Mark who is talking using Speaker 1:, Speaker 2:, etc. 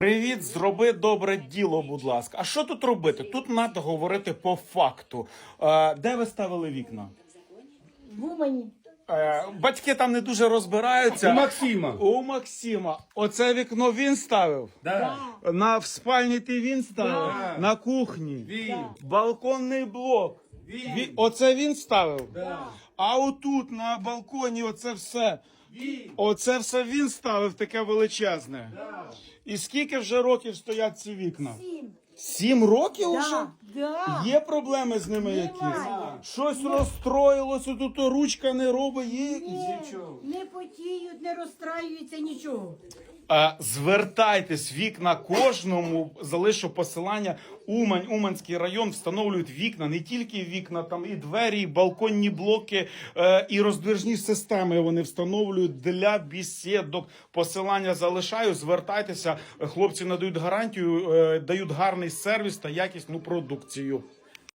Speaker 1: Привіт, зроби добре діло, будь ласка. А що тут робити? Тут треба говорити по факту. Де ви ставили вікна?
Speaker 2: В Умані.
Speaker 1: Батьки там не дуже розбираються.
Speaker 3: У Максима.
Speaker 1: У Максима. Оце вікно він ставив?
Speaker 3: Да.
Speaker 1: В спальні ти він ставив?
Speaker 3: Да.
Speaker 1: На кухні?
Speaker 3: Він.
Speaker 1: Балконний блок?
Speaker 3: Він.
Speaker 1: Оце він ставив?
Speaker 3: Да.
Speaker 1: А отут на балконі оце все?
Speaker 3: Він.
Speaker 1: Оце все він ставив таке величезне?
Speaker 3: Да.
Speaker 1: І скільки вже років стоять ці вікна?
Speaker 2: 7.
Speaker 1: 7 років вже?
Speaker 2: Да.
Speaker 1: Є проблеми з ними
Speaker 2: Немає.
Speaker 1: якісь? Щось розстроїлося, тут ручка не робить, є якісь?
Speaker 3: Нічого.
Speaker 2: Не потіють, не розстраюються, нічого.
Speaker 1: Звертайтесь, вікна кожному, залишу посилання. Умань, Уманський район встановлюють вікна, не тільки вікна, там і двері, і балконні блоки, і роздвижні системи вони встановлюють для бесідок. Посилання залишаю, звертайтеся, хлопці надають гарантію, дають гарний сервіс та якісну продукцію.